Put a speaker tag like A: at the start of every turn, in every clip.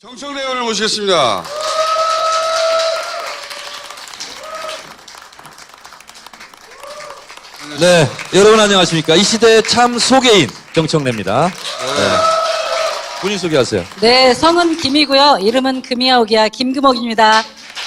A: 정청래 의원을 모시겠습니다.
B: 네, 여러분 안녕하십니까. 이 시대의 참 소개인 정청래입니다. 네. 본인 소개하세요.
C: 네, 성은 김이고요. 이름은 금이야오기야 김금옥입니다.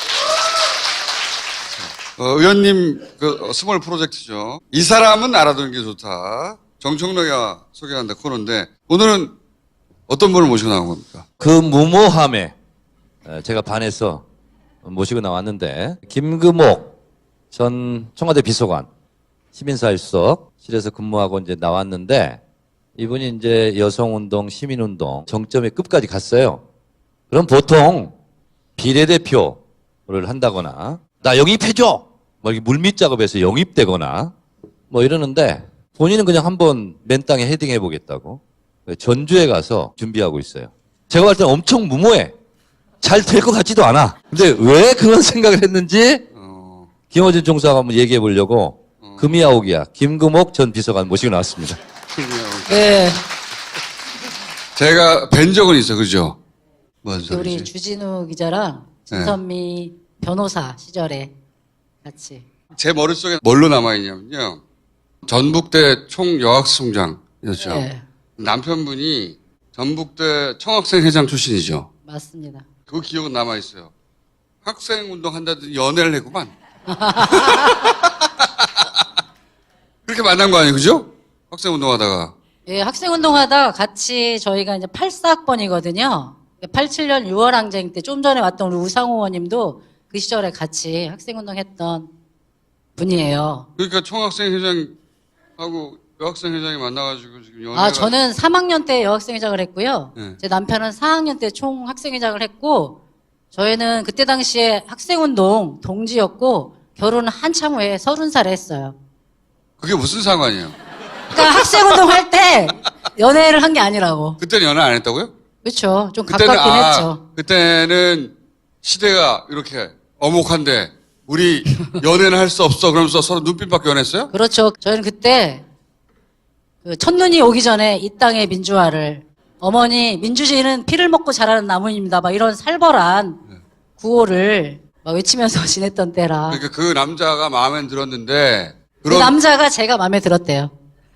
A: 의원님 그 스몰 프로젝트죠. 이 사람은 알아두는 게 좋다. 정청래가 소개한다 코너인데 오늘은 어떤 분을 모시고 나온 겁니까?
B: 그 무모함에 제가 반해서 모시고 나왔는데 김금옥 전 청와대 비서관 시민사회수석실에서 근무하고 이제 나왔는데 이분이 이제 여성운동, 시민운동 정점의 끝까지 갔어요. 그럼 보통 비례대표를 한다거나 나 영입해줘! 뭐 이렇게 물밑 작업에서 영입되거나 뭐 이러는데 본인은 그냥 한번 맨 땅에 헤딩해 보겠다고 전주에 가서 준비하고 있어요. 제가 볼 때는 엄청 무모해. 잘 될 것 같지도 않아. 근데 왜 그런 생각을 했는지 김어준 총수하고 한번 얘기해 보려고 금이야오기야 김금옥 전 비서관 모시고 나왔습니다.
C: 네,
A: 제가 뵌 적은 있어, 그죠? 뭔
C: 우리
A: 소리지?
C: 주진우 기자랑 진선미 변호사 시절에 같이.
A: 제 머릿속에 뭘로 남아있냐면요. 전북대 총여학생회장이었죠.
C: 네,
A: 남편분이 전북대 청학생회장 출신이죠.
C: 맞습니다.
A: 그 기억은 남아있어요. 학생운동 한다더니 연애를 했구만. 그렇게 만난 거 아니에요, 그죠? 학생운동 하다가.
C: 예, 학생운동하다가 같이 저희가 이제 84학번이거든요. 87년 6월 항쟁 때 좀 전에 왔던 우리 우상호 의원님도 그 시절에 같이 학생운동했던 분이에요.
A: 그러니까 총학생회장하고 여학생회장이 만나가지고 지금 연애가.
C: 아, 저는 3학년 때 여학생회장을 했고요.
A: 네.
C: 제 남편은 4학년 때 총학생회장을 했고, 저희는 그때 당시에 학생운동 동지였고, 결혼은 한참 후에 30살에 했어요.
A: 그게 무슨 상관이에요?
C: 그러니까 학생운동 할 때 연애를 한 게 아니라고.
A: 그때는 연애 안 했다고요?
C: 그렇죠. 좀 가깝긴 했죠.
A: 그때는 시대가 이렇게 엄혹한데 우리 연애는 할 수 없어 그러면서 서로 눈빛밖에 연했어요?
C: 그렇죠. 저희는 그때 그 첫눈이 오기 전에 이 땅의 민주화를 어머니 민주주의는 피를 먹고 자라는 나무입니다. 막 이런 살벌한 구호를 막 외치면서 지냈던 때라.
A: 그러니까 그 남자가 마음에 들었는데
C: 그 남자가 제가 마음에 들었대요.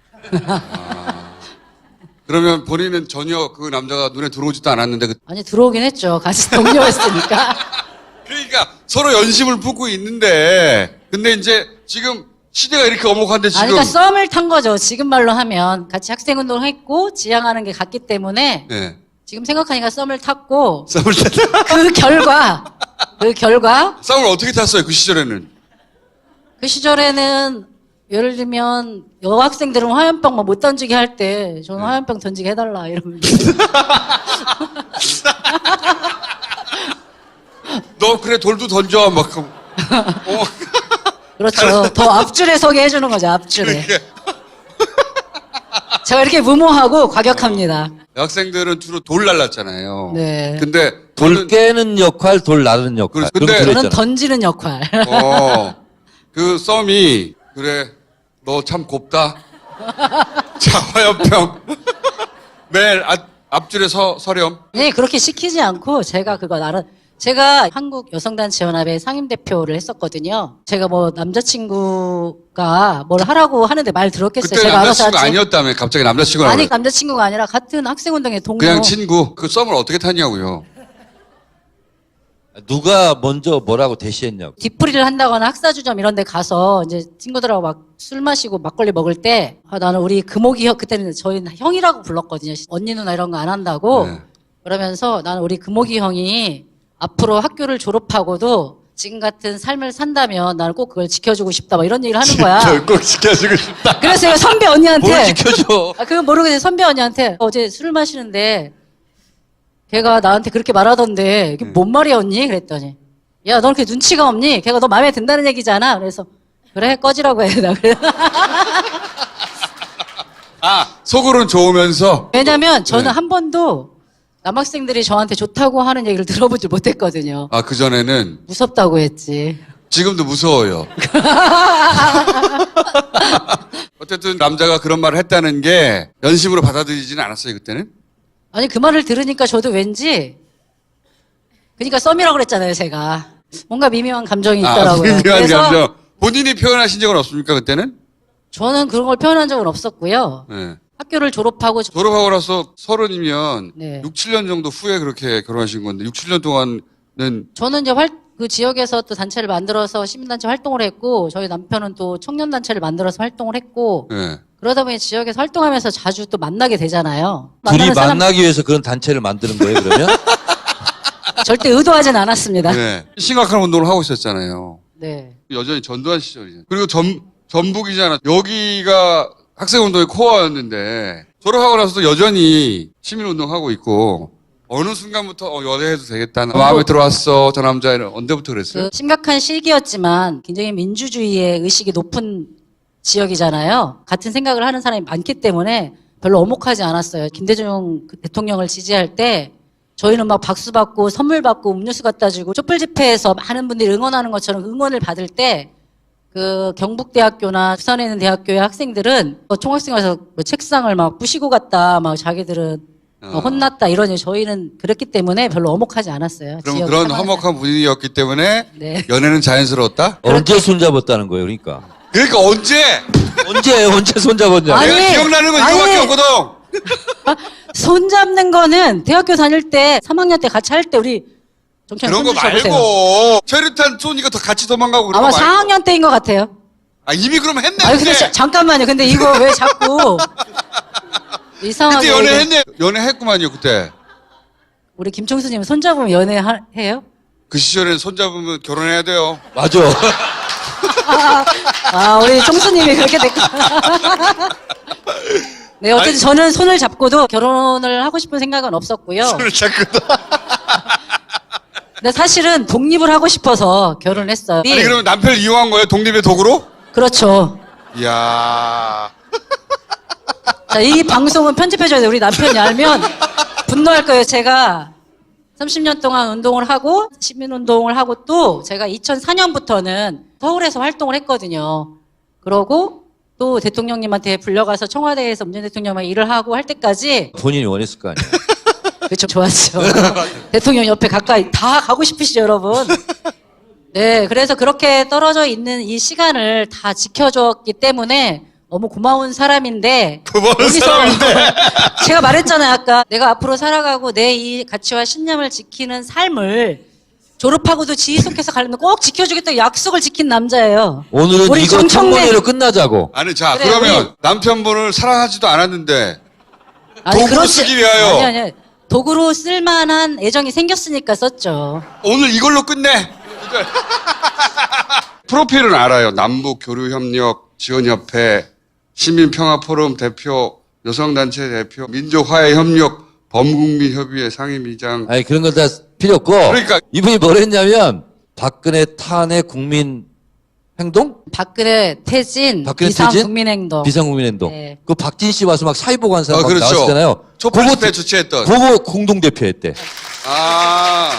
A: 그러면 본인은 전혀 그 남자가 눈에 들어오지도 않았는데
C: 아니 들어오긴 했죠. 같이 동료였으니까.
A: 그러니까 서로 연심을 품고 있는데 근데 이제 지금 시대가 이렇게 엄혹한데 지금
C: 아니, 그러니까 썸을 탄 거죠. 지금 말로 하면 같이 학생운동을 했고 지향하는 게 같기 때문에
A: 네.
C: 지금 생각하니까 썸을 탔고
A: 썸을 탔다.
C: 그 결과
A: 썸을 어떻게 탔어요 그 시절에는?
C: 그 시절에는 예를 들면 여학생들은 화염병 못 던지게 할 때 저는 화염병 던지게 해달라 이러면
A: 너 그래 돌도 던져 막
C: 그렇죠. 더 앞줄에 서게 해주는 거죠. 앞줄에.
A: 그렇게.
C: 제가 이렇게 무모하고 과격합니다.
A: 여학생들은 주로 돌 날랐잖아요.
C: 네.
A: 근데
B: 돌 깨는 역할, 돌 나르는 역할.
A: 근데
B: 그런
C: 저는
B: 거 있잖아요.
C: 던지는 역할.
A: 그 썸이 그래 너 참 곱다. 자 화염병 매일 앞줄에 서렴.
C: 네, 그렇게 시키지 않고 제가 그거 제가 한국 여성단체연합의 상임대표를 했었거든요. 제가 뭐 남자친구가 뭘 하라고 하는데 말 들었겠어요.
A: 그때
C: 제가 알아서
A: 남자친구
C: 하지.
A: 아니었다며 갑자기 남자친구라고
C: 아니,
A: 그래.
C: 남자친구가 아니라 같은 학생운동의 동료.
A: 그냥 친구. 그 썸을 어떻게 탔냐고요.
B: 누가 먼저 뭐라고 대시했냐고.
C: 뒷풀이를 한다거나 학사주점 이런 데 가서 이제 친구들하고 막 술 마시고 막걸리 먹을 때 나는 우리 금옥이 형, 그때는 저희는 형이라고 불렀거든요. 언니 누나 이런 거 안 한다고.
A: 네.
C: 그러면서 나는 우리 금옥이 형이 앞으로 학교를 졸업하고도 지금 같은 삶을 산다면 나는 꼭 그걸 지켜주고 싶다. 막 이런 얘기를 하는 거야.
A: 꼭 지켜주고 싶다.
C: 그래서 제가 선배 언니한테.
B: 뭘 지켜줘.
C: 그건 모르고 이제 선배 언니한테 어제 술을 마시는데 걔가 나한테 그렇게 말하던데 이게 뭔 말이야 언니? 그랬더니 야, 너 그렇게 눈치가 없니? 걔가 너 마음에 든다는 얘기잖아. 그래서 그래 꺼지라고 해. 나 그래.
A: 속으로는 좋으면서
C: 왜냐면 저는
A: 네.
C: 한 번도 남학생들이 저한테 좋다고 하는 얘기를 들어보지 못했거든요.
A: 그전에는
C: 무섭다고 했지.
A: 지금도 무서워요. 어쨌든 남자가 그런 말을 했다는 게 연심으로 받아들이지는 않았어요 그때는.
C: 아니 그 말을 들으니까 저도 왠지 그러니까 썸이라고 그랬잖아요, 제가. 뭔가 미묘한 감정이 있더라고요.
A: 미묘한
C: 그래서
A: 감정. 본인이 표현하신 적은 없습니까, 그때는?
C: 저는 그런 걸 표현한 적은 없었고요.
A: 네.
C: 학교를 졸업하고
A: 졸업하고 나서 30이면
C: 네.
A: 6, 7년 정도 후에 그렇게 결혼하신 건데 6, 7년 동안은
C: 저는 이제 그 지역에서 또 단체를 만들어서 시민단체 활동을 했고 저희 남편은 또 청년단체를 만들어서 활동을 했고
A: 네.
C: 그러다 보니 지역에서 활동하면서 자주 또 만나게 되잖아요.
B: 둘이
C: 만나는 사람
B: 만나기 위해서 그런 단체를 만드는 거예요, 그러면?
C: 절대 의도하진 않았습니다.
A: 네. 심각한 운동을 하고 있었잖아요.
C: 네.
A: 여전히 전두환 시절이죠. 그리고 전북이잖아. 여기가 학생운동의 코어였는데 졸업하고 나서도 여전히 시민운동하고 있고 어느 순간부터 연애해도 되겠다. 마음에 들어왔어. 저 남자애는 언제부터 그랬어요?
C: 그 심각한 시기였지만 굉장히 민주주의의 의식이 높은 지역이잖아요. 같은 생각을 하는 사람이 많기 때문에 별로 엄혹하지 않았어요. 김대중 대통령을 지지할 때 저희는 막 박수 받고 선물 받고 음료수 갖다 주고 촛불 집회에서 많은 분들이 응원하는 것처럼 응원을 받을 때 그 경북대학교나 부산에 있는 대학교의 학생들은 총학생 와서 책상을 막 부시고 갔다 막 자기들은 혼났다 이러니 저희는 그랬기 때문에 별로 엄혹하지 않았어요.
A: 그럼
C: 지역
A: 그런
C: 상황에서.
A: 험악한 분위기였기 때문에
C: 네.
A: 연애는 자연스러웠다?
B: 언제 손잡았다는 거예요, 그러니까?
A: 그러니까 언제?
B: 언제 손잡았냐?
C: 아니,
A: 내가 기억나는 건
C: 아니.
A: 이거밖에 없거든.
C: 손 잡는 거는 대학교 다닐 때 3학년 때 같이 할 때 우리 정찬
A: 그런 거 말고 최루탄 쏘니까 더 같이 도망가고 그런
C: 아마
A: 거 말고.
C: 4학년 때인 것 같아요.
A: 아 이미 그럼 했네.
C: 아니 근데
A: 그때.
C: 잠깐만요. 근데 이거 왜 자꾸 이상하게
A: 그때 연애했네. 연애했구만요 그때.
C: 우리 김총수님 손 잡으면 연애해요?
A: 그 시절엔 손잡으면 결혼해야 돼요.
B: 맞아.
C: 아 우리 총수님이 그렇게 됐구나. 네 어쨌든
A: 아니.
C: 저는 손을 잡고도 결혼을 하고 싶은 생각은 없었고요.
A: 손을 잡고도.
C: 근데 사실은 독립을 하고 싶어서 결혼을 했어요.
A: 아니 그러면 남편을 이용한 거예요? 독립의 도구로?
C: 그렇죠.
A: 이야.
C: 자, 이 방송은 편집해줘야 돼요. 우리 남편이 알면 분노할 거예요. 제가 30년 동안 운동을 하고 시민운동을 하고 또 제가 2004년부터는 서울에서 활동을 했거든요. 그러고 또 대통령님한테 불려가서 청와대에서 문재인 대통령과 일을 하고 할 때까지
B: 본인이 원했을 거 아니에요.
C: 그렇죠. 좋았죠. 대통령 옆에 가까이 다 가고 싶으시죠, 여러분. 네, 그래서 그렇게 떨어져 있는 이 시간을 다 지켜줬기 때문에 너무 고마운 사람인데
A: 고마운 사람인데.
C: 제가 말했잖아요, 아까. 내가 앞으로 살아가고 내 이 가치와 신념을 지키는 삶을 졸업하고도 지휘속해서 가려면 꼭 지켜주겠다고 약속을 지킨 남자예요.
B: 오늘은
C: 우리
B: 이거
C: 정청래-
B: 청문회로 끝나자고.
A: 아니 자
C: 그래,
A: 그러면
C: 우리-
A: 남편분을 사랑하지도 않았는데
C: 아니,
A: 도구로
C: 그렇지.
A: 쓰기 위하여.
C: 아니. 도구로 쓸만한 애정이 생겼으니까 썼죠.
A: 오늘 이걸로 끝내. 프로필은 알아요. 남북교류협력 지원협회 시민평화포럼 대표 여성단체 대표 민족화해협력 범국민협의회 상임위장.
B: 아니, 그런 건 다 필요 없고.
A: 그러니까.
B: 이분이 뭘 했냐면, 박근혜 탄핵 국민 행동?
C: 박근혜 태진,
B: 박근혜
C: 비상
B: 퇴진?
C: 국민행동.
B: 비상국민행동.
C: 네.
B: 그 박진 씨 와서 막 사회보고 한 사람 막
A: 그렇죠.
B: 나왔잖아요.
A: 촛불 집회 주최했던.
B: 그거 공동대표 했대.
A: 아.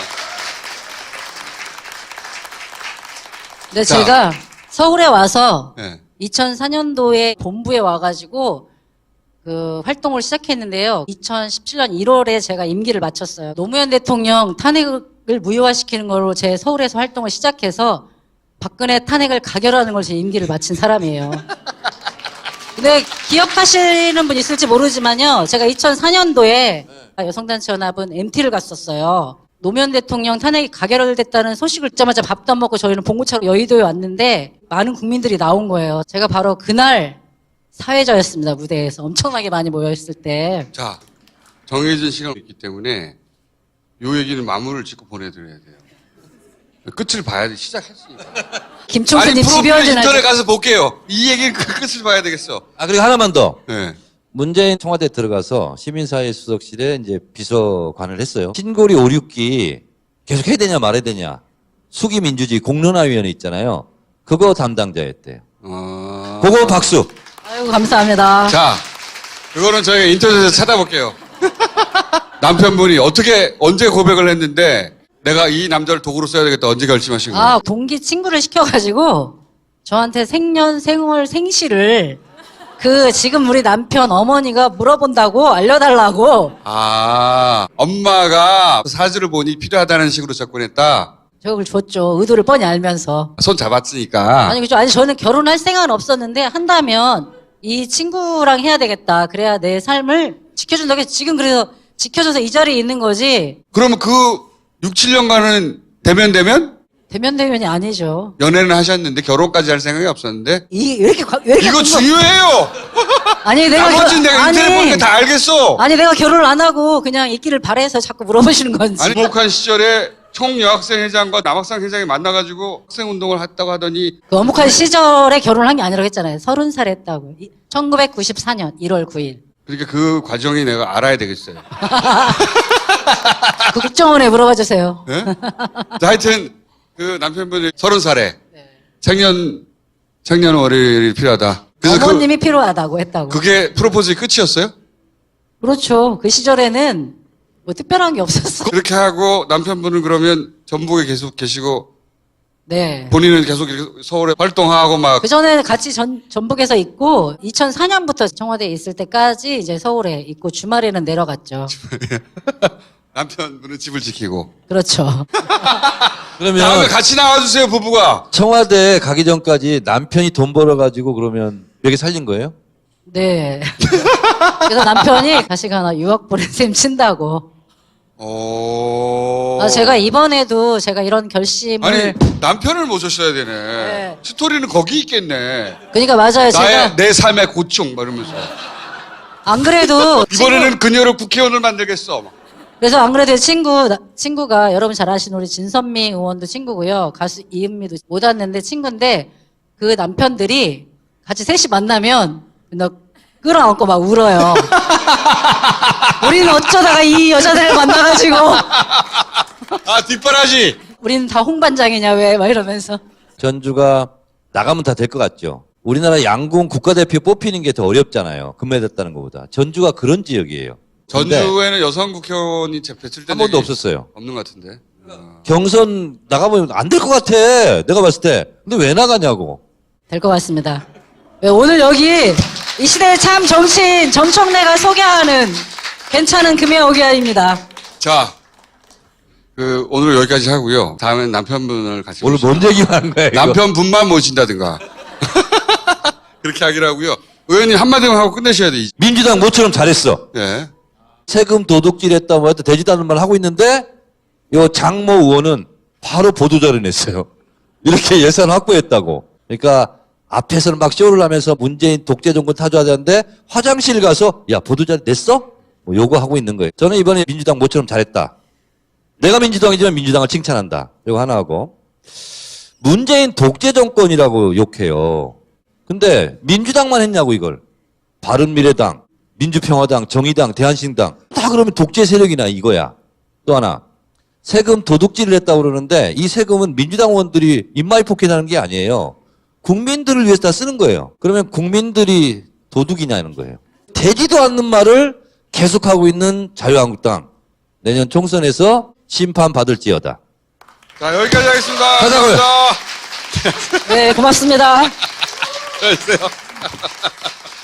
C: 근데
A: 자.
C: 제가 서울에 와서
A: 네.
C: 2004년도에 본부에 와가지고 그 활동을 시작했는데요. 2017년 1월에 제가 임기를 마쳤어요. 노무현 대통령 탄핵을 무효화시키는 걸로 제 서울에서 활동을 시작해서 박근혜 탄핵을 가결하는 걸 제 임기를 마친 사람이에요. 근데 기억하시는 분 있을지 모르지만요. 제가 2004년도에 여성단체연합은 MT를 갔었어요. 노무현 대통령 탄핵이 가결됐다는 소식을 듣자마자 밥도 안 먹고 저희는 봉고차로 여의도에 왔는데 많은 국민들이 나온 거예요. 제가 바로 그날 사회자였습니다. 무대에서 엄청나게 많이 모여있을 때.
A: 자, 정해진 시간이 있기 때문에 요 얘기는 마무리를 짓고 보내드려야 돼요. 끝을 봐야 돼. 시작했으니까.
C: 김총수님
A: 프로필
C: 집요하진
A: 인터넷
C: 않죠.
A: 가서 볼게요. 이 얘기는 그 끝을 봐야 되겠어.
B: 아, 그리고 하나만 더.
A: 네.
B: 문재인 청와대 들어가서 시민사회 수석실에 이제 비서관을 했어요. 신고리 5, 6기 계속 해야 되냐 말아야 되냐. 수기민주주의 공론화위원회 있잖아요. 그거 담당자였대요. 그거 박수.
C: 아이고, 감사합니다.
A: 자, 그거는 저희가 인터넷에서 찾아볼게요. 남편분이 언제 고백을 했는데 내가 이 남자를 도구로 써야 되겠다 언제 결심하신 거예요?
C: 아, 동기 친구를 시켜가지고 저한테 생년, 생월, 생시를 지금 우리 남편 어머니가 물어본다고 알려달라고
A: 엄마가 사주를 보니 필요하다는 식으로 접근했다.
C: 저걸 줬죠. 의도를 뻔히 알면서.
A: 손 잡았으니까.
C: 아니, 그죠. 아니, 저는 결혼할 생각은 없었는데, 한다면 이 친구랑 해야 되겠다. 그래야 내 삶을 지켜준다. 지금 그래서 지켜줘서 이 자리에 있는 거지.
A: 그러면 그 6, 7년간은
C: 대면대면이 아니죠.
A: 연애는 하셨는데 결혼까지 할 생각이 없었는데
C: 왜 이렇게
A: 이거 중요해요.
C: 아니,
A: 나머지는 내가 인터넷 보니까 다 알겠어.
C: 아니, 내가 결혼을 안 하고 그냥 있기를 바래서 자꾸 물어보시는 건지.
A: 아니 목한 시절에 총여학생 회장과 남학생 회장이 만나가지고 학생운동을 했다고 하더니
C: 그 어묵한 시절에 결혼을 한 게 아니라고 했잖아요. 30살 했다고. 1994년 1월 9일.
A: 그러니까 그 과정이 내가 알아야 되겠어요.
C: 국정원에 물어봐 주세요.
A: 네? 하여튼 그 남편분이 30살에 청년 월요일이 필요하다. 그래서
C: 어머님이 필요하다고 했다고.
A: 그게 프로포즈의 끝이었어요?
C: 그렇죠. 그 시절에는 뭐 특별한 게 없었어.
A: 그렇게 하고 남편분은 그러면 전북에 계속 계시고
C: 네.
A: 본인은 계속 이렇게 서울에 활동하고 막
C: 그 전에 같이 전북에서 있고 2004년부터 청와대에 있을 때까지 이제 서울에 있고 주말에는 내려갔죠.
A: 남편분은 집을 지키고.
C: 그렇죠.
A: 다음에
B: 그러면
A: 같이 나와주세요 부부가.
B: 청와대 가기 전까지 남편이 돈 벌어가지고 그러면 여기 살린 거예요?
C: 네. 그래서 남편이 다시 가나 유학 보낸 셈 친다고. 제가 이번에도 제가 이런 결심을.
A: 아니 남편을 모셨어야 되네.
C: 네.
A: 스토리는 거기 있겠네.
C: 그러니까 맞아요. 제가
A: 내 삶의 고충 막 이러면서.
C: 안 그래도
A: 이번에는 그녀를 국회의원을 만들겠어. 막.
C: 그래서 안 그래도 친구가 여러분 잘 아시는 우리 진선미 의원도 친구고요. 가수 이은미도 못 왔는데 친구인데 그 남편들이 같이 셋이 만나면 너 끌어안고 막 울어요. 우리는 어쩌다가 이 여자들을 만나가지고
A: 뒷바라지.
C: 우리는 다 홍반장이냐 왜 막 이러면서.
B: 전주가 나가면 다 될 것 같죠. 우리나라 양궁 국가대표 뽑히는 게 더 어렵잖아요. 금메달 것보다. 전주가 그런 지역이에요. 근데
A: 전주에는 여성 국회의원이 배출된
B: 한 번도
A: 적이
B: 없었어요.
A: 없는 것 같은데.
B: 경선 나가보면 안 될 것 같아. 내가 봤을 때. 근데 왜 나가냐고.
C: 될 것 같습니다. 왜 오늘 여기 이 시대의 참 정치인 정청래가 소개하는 괜찮은 금의 오기아입니다.
A: 자, 오늘 여기까지 하고요. 다음엔 남편분을 같이
B: 오늘 뭔 얘기만 하는 거야, 이거.
A: 남편분만 모신다든가. 그렇게 하기로 하고요. 의원님 한마디만 하고 끝내셔야 돼.
B: 민주당 모처럼 잘했어.
A: 예.
B: 세금 도둑질 했다 뭐 했다 되지도 않는 말 하고 있는데 요 장모 의원은 바로 보도자료 냈어요. 이렇게 예산 확보했다고. 그러니까 앞에서는 막 쇼를 하면서 문재인 독재 정권 타조하자는데 화장실 가서 야 보도자료 냈어? 뭐 요거 하고 있는 거예요. 저는 이번에 민주당 모처럼 잘했다. 내가 민주당이지만 민주당을 칭찬한다. 이거 하나 하고 문재인 독재 정권이라고 욕해요. 근데 민주당만 했냐고 이걸. 바른미래당, 민주평화당, 정의당, 대한신당 다 그러면 독재 세력이나 이거야. 또 하나 세금 도둑질을 했다고 그러는데 이 세금은 민주당 의원들이 입마이 포켓하는 게 아니에요. 국민들을 위해서 다 쓰는 거예요. 그러면 국민들이 도둑이냐는 거예요. 되지도 않는 말을 계속하고 있는 자유한국당 내년 총선에서 심판받을지어다.
A: 자, 여기까지 하겠습니다.
B: 하자고요.
A: 감사합니다.
C: 네, 고맙습니다.
A: 안녕히 계세요.